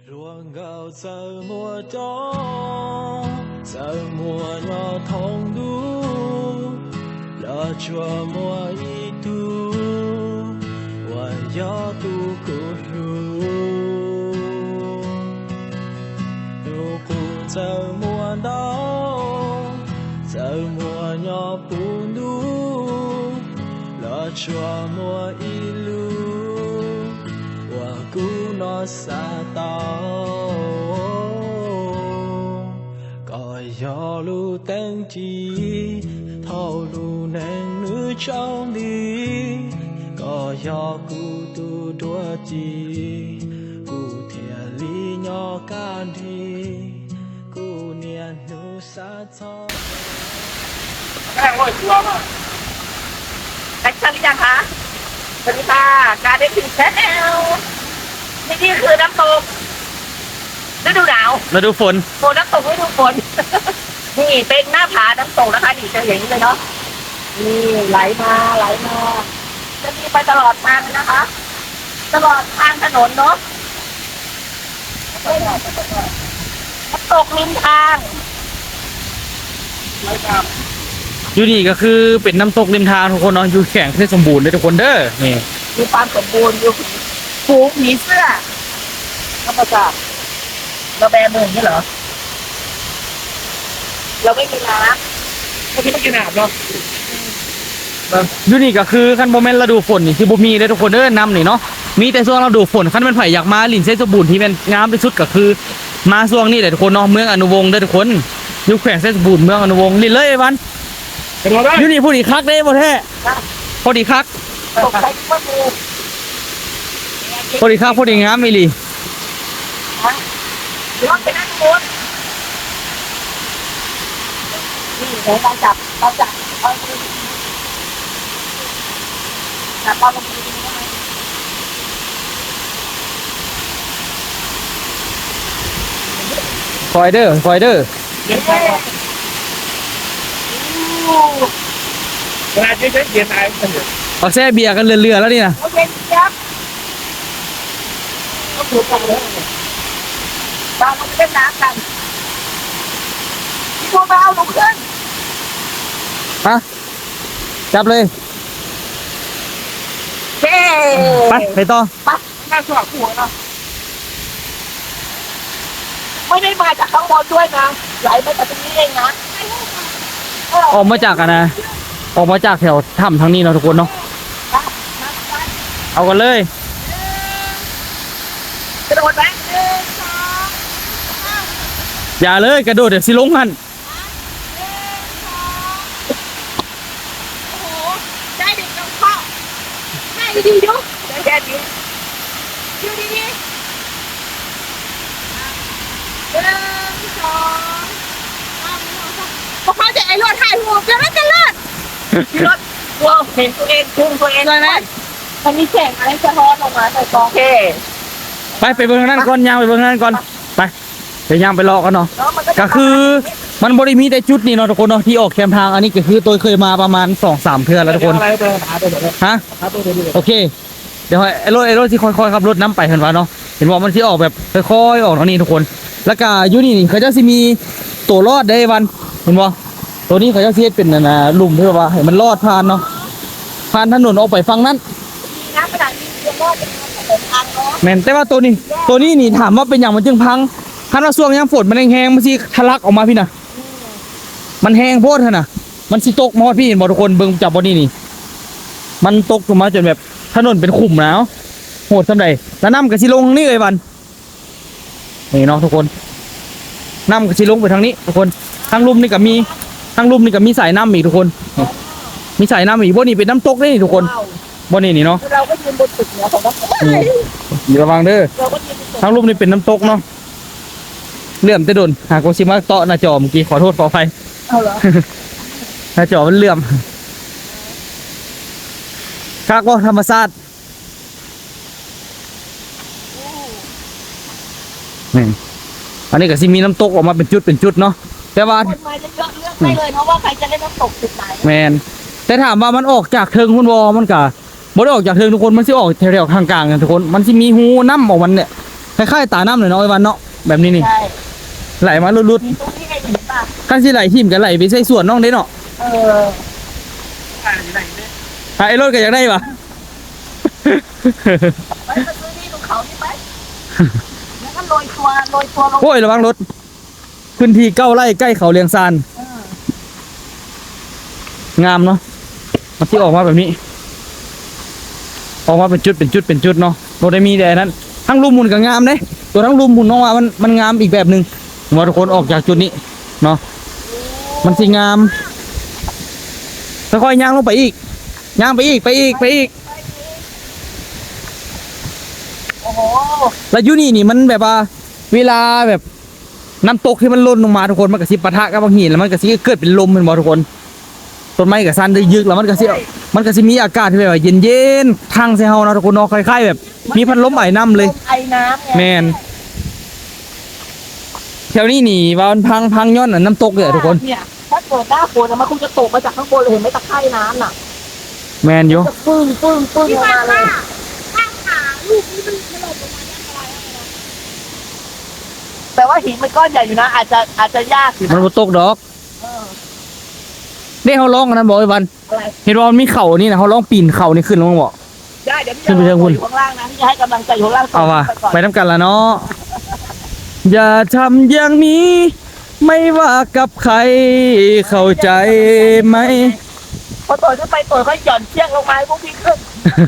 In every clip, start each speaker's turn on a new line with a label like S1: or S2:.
S1: Ruộng gạo giờ mùa gió, giờ mùa nhỏ thông đu, lỡ chùa mùa y tu, và gió tu cụ ru. Dù cụ giờ mùa đó, giờ mùa nhỏ bùn đu, lỡ chùa mùa y lu. Cú nó xa tao còi gió lu tên chi thâu lu nén nữ trong đi còi gió cú tu đua chi cú thiệt lý nhỏ can đi cú niên nữ xa cho
S2: cái ngồi xuống rồi đánh chân đi chăng hảสวัสดีค่ะการได้ถึงแชนแนลนี่คือน้ำตกฤดูหนาว
S3: ฤดูฝน
S2: โอ้น้ำตกฤดูฝน นี่เป็นหน้าผาน้ำตกนะคะนี่จะเห็นเลยเนาะนี่ไหลมาจะมีไปตลอดทางนะคะตลอดทางถนนเนาะน้ำตกริมทางไม่จำ
S3: อยู่นี่ก็คือเป็นน้ำตกริมทางทุกคนเนาะอยู่แข็งที่สมบูรณ์เลยทุกคนเด้อนี่
S2: มีความสมบูรณ์อยู่ผูกผีเสื้อธรรมชาติเราแบมือนี่เหรอเราไม่มีน้ำไม่กินน้ำเนาะ
S3: อยู่นี่ก็คือคันโมเมนต์ฤดูฝนนี่คือบ่มีเลยทุกคนเด้อน้ำนี่เนาะมีแต่ช่วงฤดูฝนคันเป็นไผอยากมาลินเส้นสมบูรณ์ที่เป็นงามที่สุดก็คือมาช่วงนี้แหละทุกคนเนาะเมืองอนุวงศ์เด้อทุกคนอยู่แขวงเส้นสมบูรณ์เมืองอนุวงศ์ลินเลยไอ้วันอยู่นี่ผู้ดีคักเด้บ่แท้พอดีคัก
S2: ตกใจว่ามือ
S3: พอดีคักพอดีงามอีหลี
S2: ย้อนไปนั่งบนนี่เดี๋ยวเราจับเอาจับปลาลงไป
S3: คอยเด้อ
S2: เวลาที่เย็นอะไร
S3: เอาแซ่เบียร์กันเรือแล้วนี่นะ
S2: โอเคครับก็ถูกกันเลยบางมันเล่นน้ำกันที่พวกเราลงขึ้น
S3: ฮะจับเลย
S2: เฮ้
S3: ไปต่อ
S2: ไปน่าสวดหัวเนาะไม่ได้มาจากข้างบนด้วยนะไหลมาจากตรงนี้เองนะ
S3: ออกมาจากกันนะออกมาจากแถวถ้ำทางนี้เนาะทุกคนเนาะเอากันเลย
S2: กระโดดไหม
S3: อย่าเลยกระโดดเดี๋ยวสิลงหัน
S2: โอ้โหได้ดิน้องพ่อได้ดีดูได้แค่นี้ดูดีๆ1 2 พวกเขาจะไอ้รถถ่ายหัวจะรถรถว้าวเห็นตัวเองพุ่งตัวเองเลยไหมมันมีแสงอะไรสะท้อนออกมาแต่กอง
S3: ไปเบื้องนั้นก่อนย่างไปเบื้องนั้นก่อนไปย่างไปรอกันเนาะก็คือมันบริมีแต่จุดนี้เนาะทุกคนเนาะที่ออกแคมทางอันนี้ก็คือตัวเคยมาประมาณ 2-3 เทื่อแล้วทุกคนฮะโอเคเดี๋ยวไอ้รถที่ค่อยๆขับรถน้ำไปเห็นว่าเนาะเห็นว่ามันที่ออกแบบค่อยๆออกตรงนี้ทุกคนแล้วก็อยู่นี่เขาจะมีตัวรอดได้วันเห็นว่าตัวนี้เขาจะเสียเป็นหลุมเพื่อว่าให้มันรอดผ่านเนาะผ่านถนนออกไปฝั่งนั้น
S2: น้ำขนาดนี้จะรอดเป็นทางเนาะ
S3: แม่นแต่ว่าตัวนี้นี่ถามว่าเป็นอย่างมันจึงพังคันว่าช่วงยามฝนมันแห้งๆมันสิทะลักออกมาพี่น่ะมันแห้งโพดเถอะน่ะมันสิตกมาฮอดพี่เห็นบ่ทุกคนเบิ่งจับบ่นี่มันตกลงมาจนแบบถนนเป็นขุ่มแล้วโหดซำใดแล้วน้ำก็สิลงทางนี้เลยวันนี่เนาะทุกคนน้ำก็สิลงไปทางนี้ทุกคนทางลุ่มนี่ก็มีสายน้ำอีกทุกคนมีสายน้ำอีกบ่นี่เป็นน้ำตกนี่ทุกคนบ่นี่เนาะ
S2: เราก็ยืนบนตึกเหนือของน้ำ
S3: ระวังเด้อทางลุ่มนี่เป็นน้ำตกเนาะเลื่อมแต่โดนหากว่าสิมาเตาะหน้าจอเมื่อกี้ขอโทษขออภัย
S2: เอาเหรอ
S3: หน้าจอมันเลื่อมคักว่าธรรมชาตินี่อันนี้ก็สิมีน้ำตกออกมาเป็นจุดเนาะแต่ว่า
S2: คนมาจะเยอะเลือกได้เลยเพราะว่าใครจะเล่นน้ำตกจุดไหน
S3: แมนแต่ถามว่ามันออกจากเทิงคุณวอมันก็บ่ได้ออกจากเทิงทุกคนมันสิออกแถวๆข้างกลางกันทุกคนมันสิมีหูน้ำออกมันเนี่ยคล้ายๆตาน้ำเลยเนาะไอ้วันเนาะแบบนี้นี่
S2: ใช่
S3: ไหลมาลุด
S2: มีตรงนี้ไงเห็นป่ะ
S3: ๆกันสิไหลทิ่มกันไหลไปใส่สวนน้องเด้เนาะ
S2: เออไหนเนี่ย
S3: ไอ้รถก็อยากได้ปะ
S2: ไปมาซื้อที่ตรงเขานี่ไปแล้วก็โรยตัวลง
S3: โอ้ยระวังรถพื้นที่9 ไร่ใกล้เขาเลียงซาน
S2: เออง
S3: ามเนาะมันที่ออกมาแบบนี้ ออกมาเป็นจุดเนาะรถได้มีแต่นั้นทั้งรูมมุนก็งามเด้ตัวทั้งรูมมุนน้องว่ามันงามอีกแบบหนึงว่าทุกคนออกจากจุดนี้เนาะมันสิงามค่อยๆย่างลงไปอีกย่างไปอีก
S2: โอ้โห
S3: แล้วอยูนี่มันแบบว่าเวลาแบบน้ำตกที่มันล่นลงมาทุกคนมันก็สิปะทะกับบางหินแล้วมันก็สิเกิดเป็นลมเป็นบ่ทุกคนต้นไม้ก็สั่นได้ยึกแล้วมันก็สิมีอากาศที่แบบว่าเย็นๆทางใส่เฮานะทุกคนเนาะคล้ายๆแบบมีพัดลมไอ้น้ำเลย
S2: ลมไอน้ำไง
S3: แมนแถวนี้นี่ว่ามันพังย้อนน่ะน้ำตกเลยอะทุกคน
S2: เนี่ยถ้าเกิดหน้าฝนอะมันคงจะตกมาจากข้างบนเลยเห็นไหมตะไคร่น้ำน่ะ
S3: แมนอยู่
S2: จะปึ้งลงมาเลยแต่ว่าหินมันก้อนใหญ่อยู่นะ อาจจะยากอยู่
S3: มัน
S2: นะ
S3: บ่ตกดอก
S2: เออ
S3: นี่เขาร้องกันนั้นบอกไอ้วัน
S2: อะไร
S3: เห็นว่ามันมีเข่านี่นะเขาร้องปีนเข่านี่ขึ้นลงบอก
S2: ได้เดี๋ยวพี่
S3: ขึ้นไปเชิงบน
S2: อยู่ข้างล่างนะพี่จะให้กำลังใจอยู่ข้างล่าง
S3: เอาว่ะ
S2: ก่อน
S3: ไปน้ำกันละเนาะอย่าทำอย่างนี้ ไม่ว่ากับใครเข้าใจไหม
S2: พอตัวขึ้นไปตัวก็หย่อนเชือกลงมาให้พวกพี่ขึ้น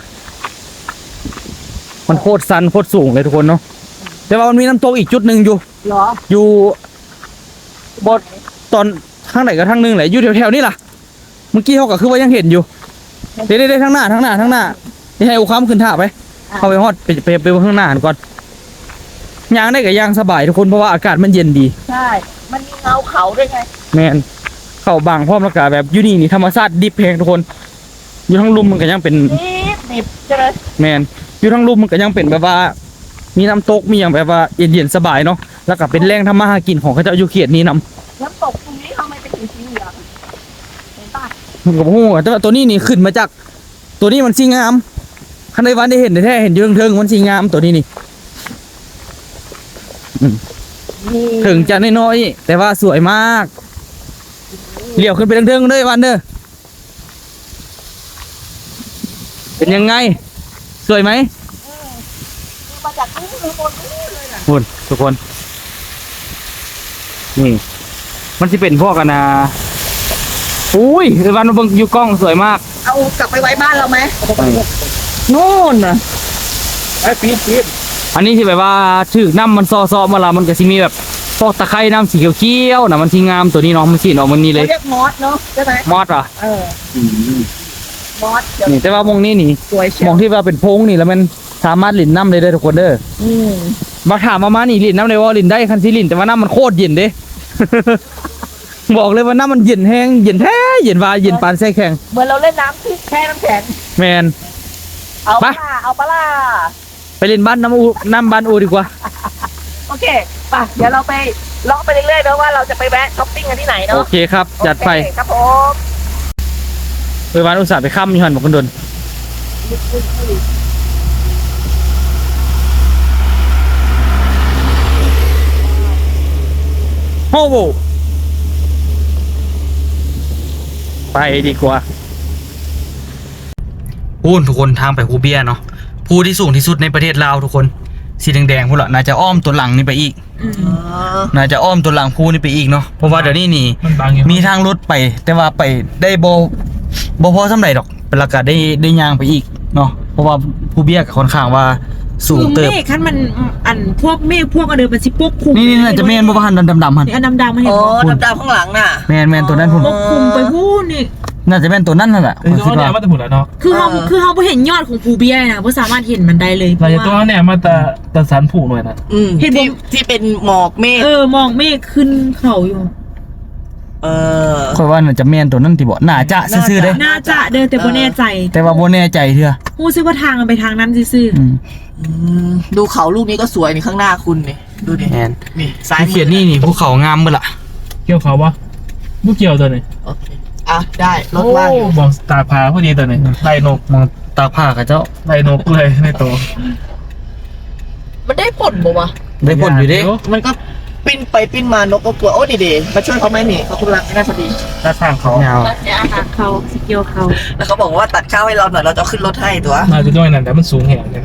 S3: มันโคตรสันโคตรสูงเลยทุกคนเนาะแต่ว่ามันมีน้ำตกอีกจุดหนึ่งอยู่
S2: เหรอ
S3: อยู่บนตอนทางไหนก็ทางหนึงแหละอยู่แถวๆนี่ล่ะเมื่อกี้เขาก็คือว่ายังเห็นอยู่เด้ทางหน้านี่ให้อุคัมขึ้นท่าไปเข้าไปฮอดไปข้างหน้าก่อนย่างได้กับย่างสบายทุกคนเพราะว่าอากาศมันเย็นดี
S2: ใช่ มันมีเงาเขาด้วยไง
S3: แมนเข้าบางพร้อมแล้วก็แบบอยู่นี่ธรรมชาติดิบเพลงทุกคน อยู่ทั้งลุ่มมันก็ยังเป็น
S2: ดิบใช่ไหม
S3: แมนอยู่ทั้งลุ่มมันก็ยังเป็นแบบว่า มีน้ำตกมีอย่างแบบว่าเย็นๆสบายเนาะแล้วก็เป็นแหล่งทำมาหากินของเขาเจ้าอยู่เขตนี้นำ
S2: น้ำตกตรงนี้ทำไมเป็นสีเหลืองเห็นป่ะ
S3: ผมก็โอ้โหแต่ว่าตัวนี้นี่ขึ้นมาจาก ตัวนี้มันสีงามคันในวันได้เห็นแท้ๆเห็นอยู่เทิงๆมันสีงามตัวนี้นี่
S2: นี่
S3: ถึงจะน้อยๆแต่ว่าสวยมากเลี้ยวขึ้นไปเทิงๆเลยวันเด้อเป็นยังไง สวยไหม
S2: มาจากข้างบนนี่เลยน่ะ
S3: คุณทุกคนนี่มันจะเป็นพวกกันนะอุ้ยไอ้วันมาเบิ่งอยู่กล้องสวยมาก
S2: เอากลับไปไว้บ้านเราไหม
S3: นู่นนะ
S1: ไอ้ปี๊ด
S3: อันนี้ที่แบบว่าถือน้ำมันซอๆมาละมันก็สิมีแบบพวกตะไคร่น้ำสีเขียวๆนะมันที่งามตัวนี้เนาะมันสีออกมันนี่เล
S2: เขา
S3: ย
S2: เรียกมอสเนาะใช่ไหม
S3: มอดอ่ะ
S2: เออมอสเดี๋ยว
S3: นี่แต่ว่ามองนี่นี่
S2: สวยเชี
S3: ม
S2: ย
S3: อ
S2: ว
S3: งที่ว่าเป็นโพงนี่แล้วมันสามารถหลินน้ำได้ทุกคนเด้อ
S2: อืม
S3: มาถามมานี่หลินน้ำได้ว่าหลินได้คันสิหลินแต่ว่าน้ำมันโคตรเย็นเด้ บอกเลยว่าน้ำมันเย็นแห้งเย็นแท้เย็นวาเย็นปานแช่แข็ง
S2: เหมือนเราเล่นน้ำที่แช่น้ำแข็ง
S3: แมน
S2: เอา
S3: ไป
S2: ปะล่ะ
S3: ไปเล่นบ้านน้ำบ้านอูดีกว่า
S2: โอเคไปเดี๋ยวเราไปเลาะไปเรื่อยๆนะว่าเราจะไปแวะช้อปปิ้งกันที่ไหน
S3: โอ
S2: เนาะ
S3: เคครับ จัดไป
S2: โอเคครับผม
S3: ไปวันอุตส่าห์ไปค่ำอยู่หันบอกกันโดนโอ้โหไปดีกว่าพูนทุกคนทางไปภูเบียเนาะภูที่สูงที่สุดในประเทศลาวทุกคนสีแดงๆพวกเราน่าจะอ้อมตัวหลังนี่ไปอีก น่าจะอ้อมตัวหลังภูนี่ไปอีกเนาะเพราะว่าเดี๋ยวนี้นี่
S1: มันบางอยู่
S3: มีทางรถไป แต่ว่าไปได้บ่พอสำไรดอกเป็นราคาได้ย่างไปอีกเนาะเพราะว่าภูเบียก็ค่อนข้างว่าสูง
S4: คือ
S3: เติบ
S4: เมฆคันมันอันพวกเมฆพวกอันเดิมมันสิปกคลุม
S3: นี่น่าจะแม่นบ่ว่าหันดำๆหัน
S4: นี่อันดำๆมันเห็น
S2: โอ้
S4: บ่
S2: ดำๆข้างหลังน่ะ
S3: แม่นตัวนั้นพุ่น
S4: ปกคลุมไปพูดนี่
S3: น่าจะแม่นตัวนั้นนั่นแหละ
S1: เออ
S3: ผมคิด
S1: ตัว
S3: ว่า
S1: เนี่ยมาแต่ผุนแล้วเนาะ
S4: คือเขาบ่เห็นยอดของภูเบียนะบ่สามารถเห็นมันได้เลย
S1: เราจะตัวเนี่ยมาแต่สันผูกหน่อยนะ
S4: เห็นบ่
S2: ที่เป็นหมอกเมฆ
S4: มองเมฆขึ้นเขาอยู่
S3: ค่อยว่าน่าจะแม่นตัวนั้นที่บ่น่าจะซื่อๆเด้
S4: น่าจะเดินแต่บ่แน่ใจ
S3: แต่ว่าบ่แน่ใจเด้อ
S4: ฮู้สึกว่าทางมันไปทางนั้นซื่อ
S3: อืม
S2: ดูเขาลูกนี้ก็สวยนี่ข้างหน้าคุณนี่ดูดิ
S3: แม่น
S2: นี่ซ้าย
S3: ที่เขียนนี่ภูเขางามเบิดล่ะ
S1: เกี่ยวเขาปะบุกเกี่ยวตัวนี้
S2: โอเคอ่ะได้รถว่างอยู่
S1: บอกตากผาพอดีตัวนี้ไล่นก
S3: มองตาผ้ากับเจ้า
S1: ไล่นกเลยในตัว
S2: มันได้ผลบ่วะ
S3: ได้ผลอยู่เด้
S2: มันก็ปิ้นไปปิ้นมานกก็กลัวโอ้ดีเดมาช่วยเขาไหมนี่เขาทุลังไม่ได้พอดี
S1: หน้าทางเขา
S3: ยาว
S4: เนี่ยอาหารเขาสกิลเขา
S2: แล้วเขาบอกว่าตัดข้าวให้เราหน่อยเราจะเอาขึ้นรถให้ตัว
S1: มาจะด้วยนั่นแต่มันสูงแหงเลย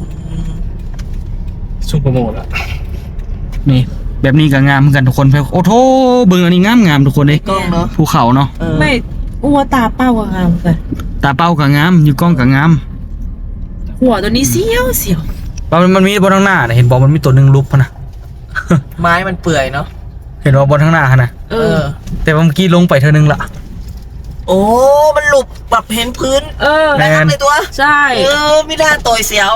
S1: สูงโปรโมทอะ
S3: นี่แบบนี้ก็งามเหมือนกันทุกคนโอ้โถเบิ่งอันนี้งามทุกคนเด้
S2: กล้องเนาะ
S3: ภูเขาเนาะ
S4: ไม่อ้วตาเป้าอะงามกัน
S3: ตาเป้าก็งามอยู่กล้องก็งาม
S4: หัวตัวนี้เสียวเสียว
S3: มันมีบนข้างหน้าน่ะเห็นบอกมันมีตัวหนึงลุกพะนะ
S2: ไม้มันเปื่อยเนาะ
S3: เห็นว่าบนข้างหน้าฮะนะ
S4: เออ
S3: แต่ว่าเมื่อกี้ลงไปเท่านึงละ
S2: โอ้มันหลุบแบบเห็นพื้น
S4: เออ
S3: แมน
S2: ในตัว
S4: ใช่
S2: ไม่ได้ต่อยเสียว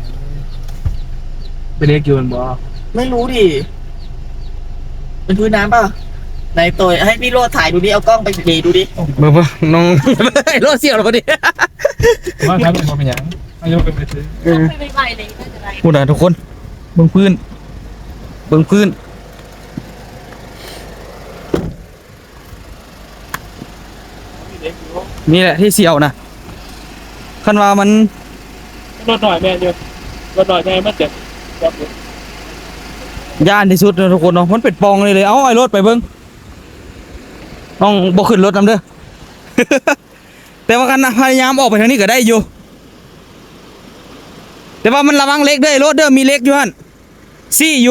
S1: ไปเรียกยูนบอ
S2: ไม่รู้ดิเป็นพื้นน้ำป่ะไหนต่อยให้พี่โรดถ่ายดูดิเอากล้องไปเบดูดิ
S3: เบิ่งน้อง รถเสียวแล้วพอดี
S1: ว่าครับเป็นบอเป็นยังอายุเป็นไปซื้อ
S4: ไม่ไหวเลยน่าจะได้
S3: พูดนะทุกคนเบิ่งพื้นนี่แหละที่เสียวนะคันว่ามัน
S1: รถหน่อยแม่เดียวรถหน่อยแม่มันเจ็บแบบนี้
S3: ย่านที่สุดนะทุกคนเนาะมันเป็นปองเลยเอาไอ้รถไปเบิ่งน้องบ่ขึ้นรถนำเด้อ แต่ว่ากันนะพยายามออกไปทางนี้ก็ได้อยู่ แต่ว่ามันระวังเล็กเด้อไอ้รถเด้อมีเล็กอยู่หั่นซี่อยู่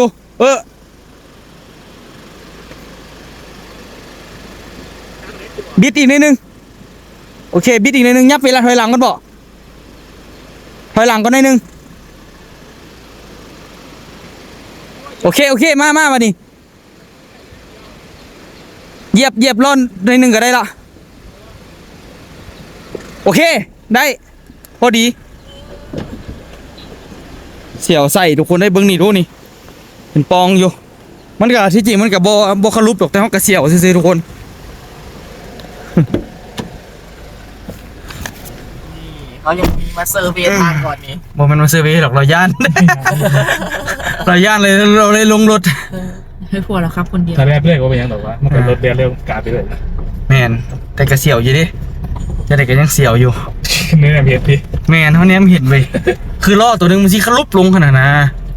S3: บิดอีกนิดนึงโอเคบิดอีกนิดนึงยับเวลาถอยหลังกันบ่ถอยหลังก็นิดนึงโอเคมาดิเหยียบร่อนนิดนึงก็ได้ละโอเคได้พอดีเสี่ยวใส่ทุกคนได้เบิ้งนี่ดูนี่เป็นปองอยู่มันก็ที่จริงมันก็บ่คารุบหรอกแต่เขาก็เสี่ยวซื่อๆทุกคน
S2: เขายังมีมาเซอร์เวย์ทางก่อนนี้
S3: บ่แมันมาเซอร์เวย์หรอกเราย่าน เราย่านเลยเราเลยลงรถ
S4: ให้ผัวเราครับคนเดียว
S1: ถ้าแรกเรื่อยก็เป็นยังหรอกว่ามันเป็นรถเรียนเร็วกาไปเลย
S3: แมนแต่ก็เสียวอยู่ดิจะได้ก็ยังเสียวอยู่
S1: นี่แหละเพียรพี่
S3: แมนเท่านี้มันเห็นไปคือล้อตัวหนึงมันสิขลุบลงขนาดนะ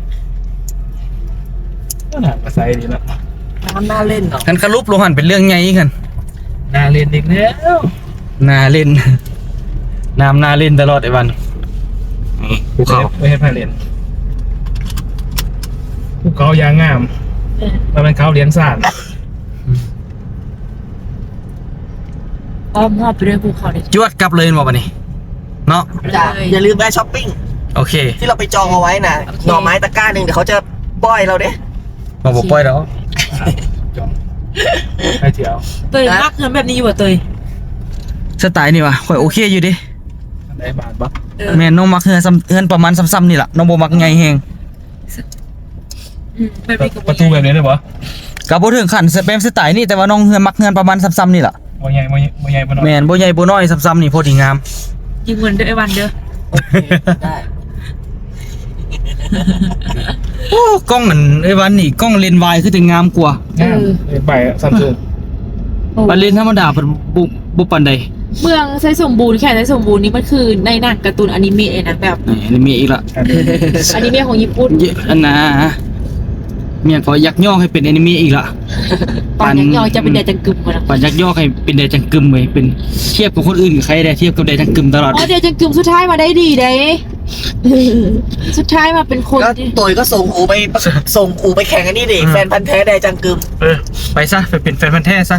S1: ก็หนักกระไซดีแล้ว
S2: น้ำน่าเล่นเนาะ
S3: กันขลุบลงหันเป็นเรื่องไงกัน
S1: น่าเรียนอีกแล้ว
S3: น่าเล่น น้ำน่าเล่นตลอดไอ้วันนี่ภูเขา
S1: ไม่ให้พายเรียนภูเขายางงามมันเป็นเขาเลี้ยงสาน
S4: อ้อมหอบไปด้วยภูเขาเลย
S3: จวดกลับเลยบอกมานี่เนาะ
S2: จ้ะอย่าลืมแวะช้อปปิ้ง
S3: โอเค
S2: ที่เราไปจองเอาไว้น่ะหน่อไม้ตะกร้าหนึ่งเดี๋ยวเขาจะป้อยเราเด้
S3: มาบอกปล่อยแล้ว
S1: จองให้เที่ยว
S4: เตยมากเงินแบบนี้อยู่อ่ะเตย
S3: สไตล์นี่วะข่อยโอเคอยู่ดิ
S1: ได้บาทปะ
S3: แม่นน้องมักเฮือนประมาณซ้ำๆนี่แหละน้องบ่มักไงแฮง
S4: แบบนี้กับ
S1: ประตูแบบนี้ได้ปะ
S3: ก็บ่ถึงขั้นสเปมสไตล์นี่แต่ว่าน้องเฮือนมักเฮือนประมาณซ้ำๆนี่แหละ
S1: บ่ใหญ่บ่ใหญ่บ่น้อย
S3: แม่นบ่ใหญ่บ่น้อยซ้ำๆนี่พอดีงาม
S4: ยิงเงินด้วยไอ้วันเด้อ
S2: โอเคได้
S3: โอ้กล้องมันไอ้วันนี่กล้องเลนส์วายคือแต่งามกว่า
S1: งามไปซัมซุง
S3: บันเลนส์ธรรมดาเป็นบุปานใด
S4: เมืองไซสมบูรณ์แค่ไซสมบูรณ์นี่มันคือในหนังการ์ตูนอนิเมะเลยนะแบบ
S3: อันนี้มีอีกละ
S4: อนิเมะของญี่ปุ่น
S3: เยอะอันนะเมียก็ยักย่อให้เป็นแอนิเมะอีกละ
S4: ตอนยังยอยจะเป็นแดจังกึมมาแล้ว
S3: ปันยักย่อให้เป็นแดจังกึมเลยเป็นเทียบกับคนอื่นกับใครได้เทียบกับแดจังกึมตลอด
S4: อ๋อแดจังกึมสุดท้ายมาได้ดีเด้สุดท้ายมาเป็นคน
S2: ก็
S4: ที่
S2: ตัวก็ส่งอูไปแข่งอันนี้ดิแฟนพันธ์แท้แดจังกึม
S3: ไปซะไปเป็นแฟนพันธุ์แท้ซะ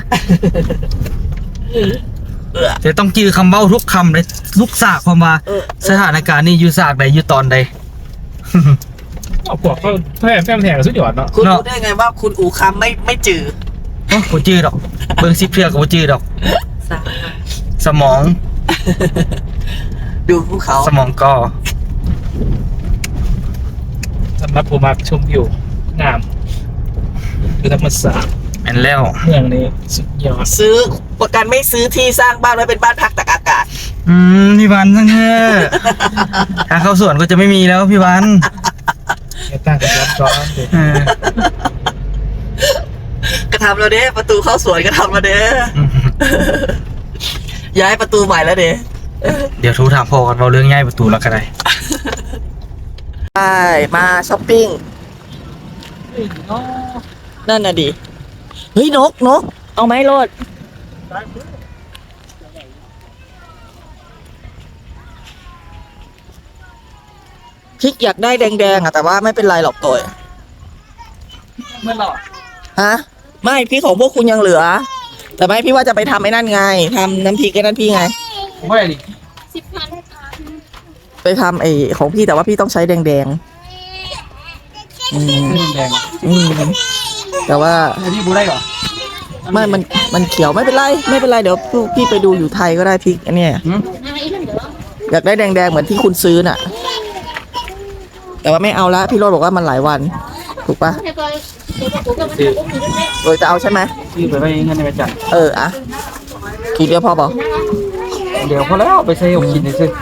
S2: เออ
S3: จะต้องจื้อคำเว้าทุกคำเลยทุกสากความว่า
S2: เออ
S3: สถานการณ์นี้อยู่สากใดอยู่ตอนใด
S1: เอาพวกเขาแฟนแทนสุดยอดเนาะ
S2: คุณ
S3: เนาะ
S2: รู้ได้ไงว่าคุณอูคำไม่จือ
S3: โอ้โหจื้อดอกเบิ่งซิเพื่อกับจื้อดอก
S4: สาม
S3: สมอง
S2: ดูภูเขา
S3: สมองก็
S1: สำหรับผมมาชมวิวงามคือธรรมศาสตร์
S3: แม่นแล้ว
S1: เมืองนี้สุดยอด
S2: ซื้อประกันไม่ซื้อที่สร้างบ้านไว้เป็นบ้านพักตากอากาศ
S3: พี่วันทั้งเถอะทางเข้าสวนก็จะไม่มีแล้วพี่วัน
S1: เอตั้งกันร้อนๆเลย
S3: เออก
S2: ระทำเราเด้ประตูเข้าสวนกระทำเราเด้ย้ายประตูใหม่แล้วเด้
S3: เดี๋ยวโทรถามพ่อกันเราเรื่องง่ายประตูแล้วก็ได้
S2: ไปมาช้อปปิ้งนั่นน่ะดิเฮ้ยนกเอาไหมโลดพริกอยากได้แดงๆอ่ะแต่ว่าไม่เป็นไรหรอกตัว
S3: ไม่หรอก
S2: ฮะไม่พริกของพวกคุณยังเหลือ แต่ไม่พี่ว่าจะไปทำไอ้นั่นไงทำน้ำพริกไอ้นั่นพี่ไง
S3: ไม่ดิ
S2: ไปทำไอ้ของพี่แต่ว่าพี่ต้องใช้แดงๆ
S3: แดง
S2: แต่ว่า
S3: พี่บูได้ก่อน
S2: ไม่มันเขียวไม่เป็นไรเดี๋ยวพี่ไปดูอยู่ไทยก็ได้พริกอันเนี้ยอยากได้แดงๆเหมือนที่คุณซื้อน่ะ แต่ว่าไม่เอาละพี่โรดบอกว่ามันหลายวันถูกปะโดยจะเอาใช่ไหม
S3: พี่ไปเงินในประจัน
S2: อะทีเดียวพอบอก
S3: เดี๋ยวพอแล้วไปใช้อบกินเลยสิ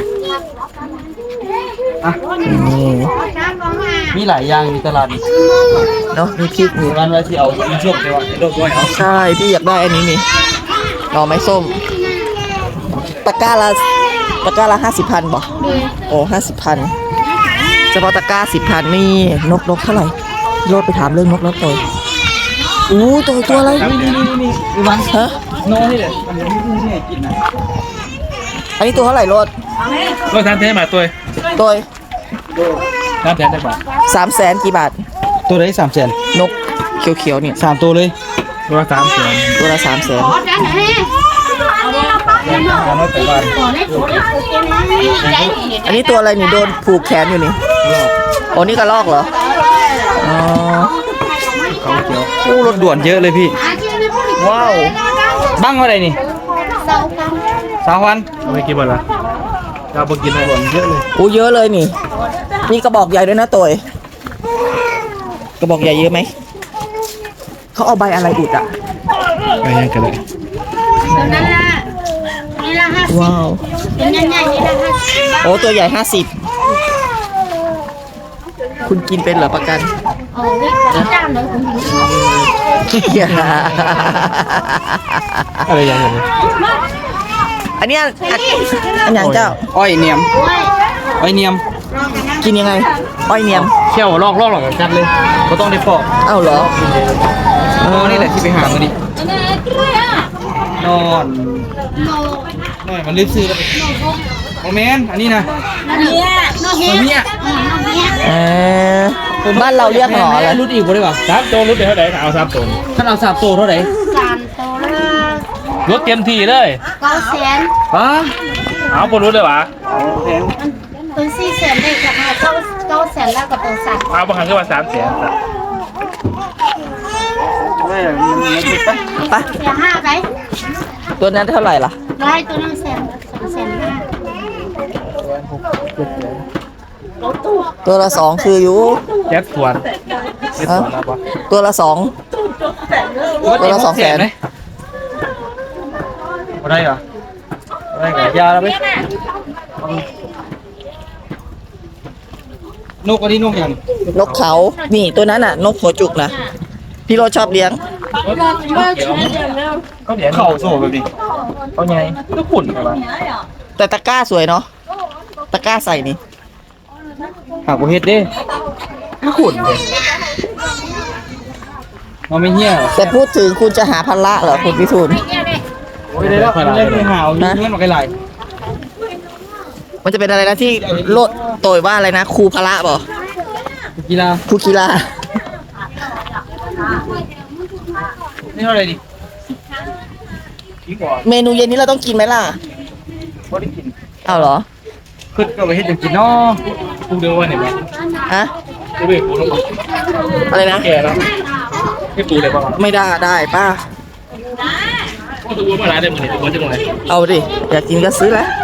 S3: มีหลายอย่างมีตลาด
S2: เนาะมีพริกมี
S3: ร้านไว้ที่เอามีช่วงเดียวโดนด้วยเอา
S2: ใช่พี่อยากได้อันนี้นี่หน่อไม้ส้มตะกร้าละ50,000บอกโอ้50,000เฉพาะตะกร้า10,000นี่นกเท่าไหร่โลดไปถามเรื่องนกแล้วตัวตัวอะไร
S3: นี่วัน
S2: ฮะ
S3: โน่นี่เด็ดมันยังไม่ให้กินนะ
S2: อันนี้ตัวเท่าไหร่โลด
S3: ก็ทานเทมาตัว
S2: ตัว
S3: ทานแทนได้ป่ะ
S2: 300,000กี่บาท
S3: ตัวได้300,000
S2: นกเขียวๆเนี่ย
S3: 3ตัวเลยตัวละ300,000
S2: ตัวละ300,000
S3: 300แต่บ้าน
S2: อันนี้ตัวอะไรนี่โดนผูกแขนอยู่นี่โอ้นี่กระลอกเหรออ๋อ
S3: เขาเขียวโอ้รถด่วนเยอะเลยพี่
S2: ว้าว
S3: บ้างอะไรนี่3,000เอาไปกี่บาทละเราไปกินอะไรก่อนเยอะเลย
S2: เยอะเลยนี่มีกระบอกใหญ่ด้วยนะตัวกระบอกใหญ่เยอะไหมเขาเอาใบอะไรอุดอ่ะ
S3: ไปยังกันเลย
S2: ว้าวโอ้ตัวใหญ่50คุณกินเป็นเหรอประกัน
S3: อะไรอย่างเงี้ย
S2: อันเนี้ยอันอย่างเจ้า
S3: อ้อยเนียมอ้อยเนียม
S2: กินยังไงอ้อยเนียม
S3: เขี่ยวลอกหลังจัดเลยก็ต้องได้ปอก
S2: เอ้าเหรอ
S3: นี่แหละที่ไปหามาดินอนมันรีบซื้อแล้วโมเมนต์อันนี้นะเนี่ย
S2: บ้านเราเรียกหนออะไร
S3: รุดอีกบ่ได้ป่ะ3ตัวรุดเท่าไหร่เอา3ตัวถ้าเอา3ตัวเท่าไหร่รถเต็มที่เลย
S5: 900,000
S3: ป้าเอาบ่รุดเลยวะ
S5: ตัว400,000ได้กับ900,000แล้วกับตัว3
S3: เอาบ่หันขึ้นมา300,000
S2: ไป
S5: เสีย5ไป
S2: ตัวนั้นเท่าไหร่ล่ะ
S5: ได้ตัวนั้น200,000
S2: ตัวละ2คืออยู่
S3: แจ็คสวนแจ็คสวนแล้วป่ะ
S2: ตัวละ2ตัวละ200,000
S3: บ่ได้เหรอได้กับยาแล้วไหมนกอันนี้นกอย่าง
S2: นกเขานี่ตัวนั้นน่ะ นกหัวจุกนะพี่โรชอบเลี้ยง
S3: เขาเดี๋ยวเข่าโซ่แบบนี้เขาไงก็ขุ่นอะไร
S2: แต่ตะกร้าสวยเนาะตะกร้าใส่นี่
S3: หากว่าเฮ็ดดิก็ขุ่นเลยมันไม่เหี้ย
S2: แต่พูดถึงคุณจะหาพันละเหรอคุณพิทูล
S3: โอ้ยได้แล้วเล่นไปหาวเงินมาไกล
S2: มันจะเป็นอะไรนะที่โลดโตยว่าอะไรนะครูพละบ่
S3: กีฬา
S2: ครูกีฬา
S3: นี่เท่าไหร่ดิกี่ก่อน
S2: เมนูเย็นนี้เราต้องกินไหมล่ะ
S3: บ่ได้กิน
S2: เอาเหรอ
S3: ขึ้นก็ไปเฮ็ดจังกินเนาะกูเดียวว่าเนี่ยบ่
S2: ฮะ
S3: กูไปกูต้อง
S2: อะไรนะ
S3: แก่แล้วให้ปูเลยป่ะ
S2: ไม่ได้ป้า
S3: ก็ตัวมาหลายได้หมดนี่ตัวจังเลย
S2: เอาดิอยากกินก็ซื้อแล้ว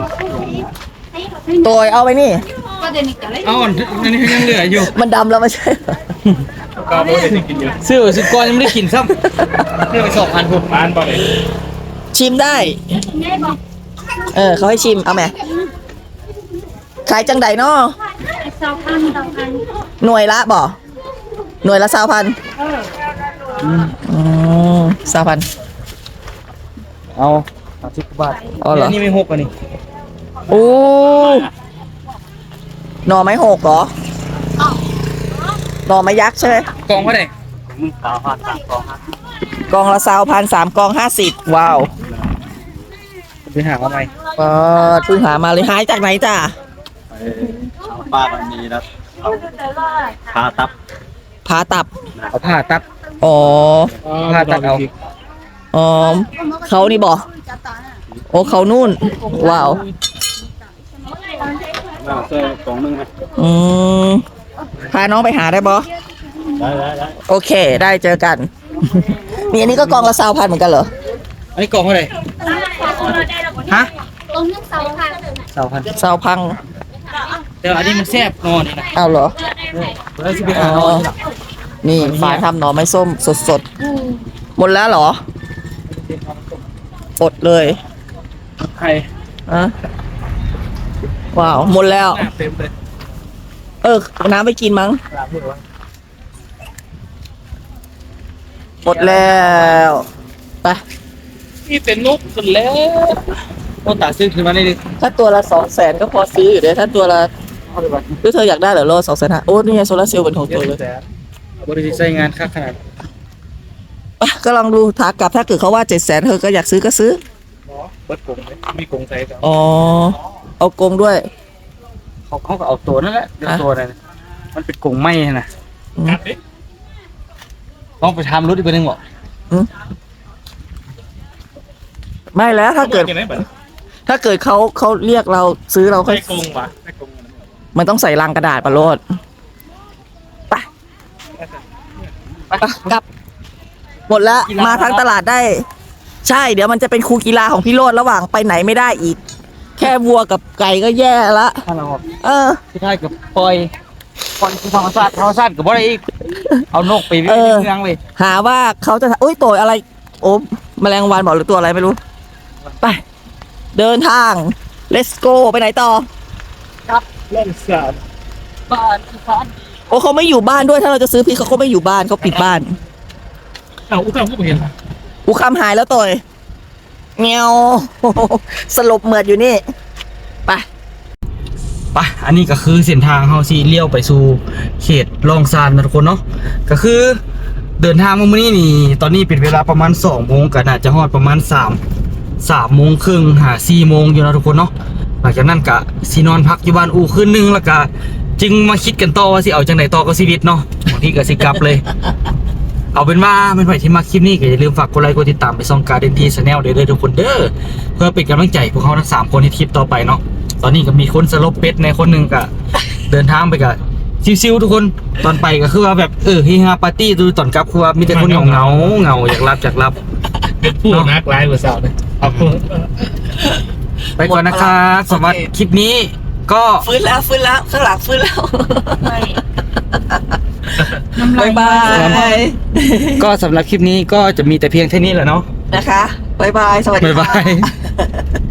S2: โตยเอาไปนี่
S3: เอาอันนี้ยังเหลืออยู่
S2: มันดำแล้วไม่ใช่เหรอ
S3: ก็บ่ได้กินเยอะซื้อ10ก้อนยังไม่ได้กินซ้ำเรียกไป2,000ผม1,000ป่ะเลย
S2: ชิมได้ เขาให้ชิมเอาไหมขายจังใดเนาะหน่วยละบ่หน่วยละ20,00020,000
S3: เอา30บาท
S2: อ๋อเหรอ
S3: นี่ไม่6อันนี้
S2: โอ้หน่อไม้หกเหรอหน่อไม้ยักษ์ใช่ไหม
S3: กองเท่าไหร่
S2: กองละ1,300กอง50ว้าว
S3: ไปหามาใหม่
S2: เพิ่งหามาเลยหายจากไหนจ้ะ
S1: ป้ามันมีแล้วพาตับ
S2: ผ่าตับ
S3: เอาผ้าตับ
S2: อ๋อ
S3: ผ้าตัดเอา
S2: อ๋อเขานี่บอกโอ้เขานู่นว้าว
S1: เสื้อกล่องนึงไหม
S2: อืมพาน้องไปหาได้บอ
S1: ได้
S2: โอเค ได้เจอกัน มีอันนี้ก็กองละ2,000เหมือนกันเหรอ
S3: อันนี้กองเท่าไหร่ฮะ
S5: ตรงนึงเสาค่ะ
S3: 2,000
S2: 2,000
S3: แต่อันนี้มันแซ่บนอนนี่นะ
S2: เอาเหรอ
S3: แล้วสิไป
S2: อ๋
S3: หา
S2: อ
S3: นอนที่หลัง
S2: นี่ฝาทำหน่อไม้ส้มสดๆหมดแล้วเหรออดเลย
S3: ใคร
S2: อะว้าวหมดแล้ว
S3: หน้าเต็มเลย
S2: น้ำไปกินมั้งหมดแล้วไป
S3: นี่เป็นนกสุดแล้วโอ้ตาซื้อขึ้นมาได้ดิ
S2: ถ้าตัวละ200,000ก็พอซื้ออยู่เด้ถ้าตัวละหรือเธออยากได้เหรอโล2,500โอ้นี่ไงโซลาร์เซลล์เป็นของตัวเลย
S3: บริษัทใช้งานค่าขนาด
S2: ไปก็ลองดูถากลับถ้าเกิดเขาว่า700,000เธอก็อยากซื้อก็ซื้อ
S3: เปิดกงเลยมีกงใส่กับ
S2: อ๋อเอากรงด้วย
S3: เขาก็เอาตัวนั่นแหละเดี๋ยวตัวนั้นมันเป็นกงไหมนะ
S2: อืม
S3: ต้องไปทำรถอีกคนนึงบอก
S2: ไม่แล้วถ้าเกิดเขาเรียกเราซื้อเราค่อย
S3: ได้กงปะได้กง
S2: มันต้องใส่ลังกระดาษปะโลดไปกลับ หมดแล้วมาทางตลาดได้ ใช่เดี๋ยวมันจะเป็นครูกีฬาของพี่โรดระหว่างไปไหนไม่ได้อีก แค่วัวกับไก่ก็แย่ละ
S3: ถ้าเรา
S2: ที่
S3: ได้กับปล่อยธรรมชาติกับว่าอะไรอีกเอานกไปวิ่งเมืองเลย
S2: หาว่าเขาจะโอ้ยตัวอะไร โอ้แมลงวันบอกหรือตัวอะไรไม่รู้ ไป เดินทาง let's go ไปไหนต่อ
S3: เล่นสาดบ้าน
S2: โอ้เขาไม่อยู่บ้านด้วยถ้าเราจะซื้อพริกเขาก็ไม่อยู่บ้านเขาปิดบ้าน
S3: เอาอุ้งผู้เห็น
S2: กูคำหายแล้วตัวเงี้ยว สลบเหมือดอยู่นี่ ไป
S3: ปะอันนี้ก็คือเส้นทางเฮาสิเลี้ยวไปสู่เขตลองซานนะทุกคนเนาะก็คือเดินทางมามื้อนี้นี่ตอนนี้เป็นเวลาประมาณ2โมงก็น่าจะฮอดประมาณ3โมงครึ่งหา4โมงอยู่นะทุกคนเนาะหลังจากนั้นก็สินอนพักอยู่บ้านอู่คืนนึงแล้วก็จึงมาคิดกันต่อว่าสิเอาจังไดต่อกับชีวิตเนาะบางทีก็สิกลับเลย เอาเป็นว่าไม่ไหวที่มาคลิปนี้ก็อย่าลืมฝากกดไลค์กดติดตามไปซ่องการเดนทีชาแนลเด้อทุกคนเด้อเพื่อเป็นกำลังใจพวกเขาทั้ง3คนในคลิปต่อไปเนาะตอนนี้ก็มีคนสลบเป็ดในคนหนึ่งก็เดินทางไปกับซิวๆทุกคนตอนไปก็คือว่าแบบเฮฮาปาร์ตี้ดูตอนกลับคือว่ามีแต่คนเหงาอยากรับพูดนักไลฟ์กว่าสาวเลยไปก่อนนะครับสำหรับคลิปนี้ก็
S2: ฟื้นแล้วข้างหลังฟื้นแล้วบายบาย
S3: ก็สำหรับคลิปนี้ก็จะมีแต่เพียงเท่านี้แหละเนาะ
S2: นะคะบายบาย สวัสดี
S3: บ๊าย
S2: ค่ะ
S3: บาย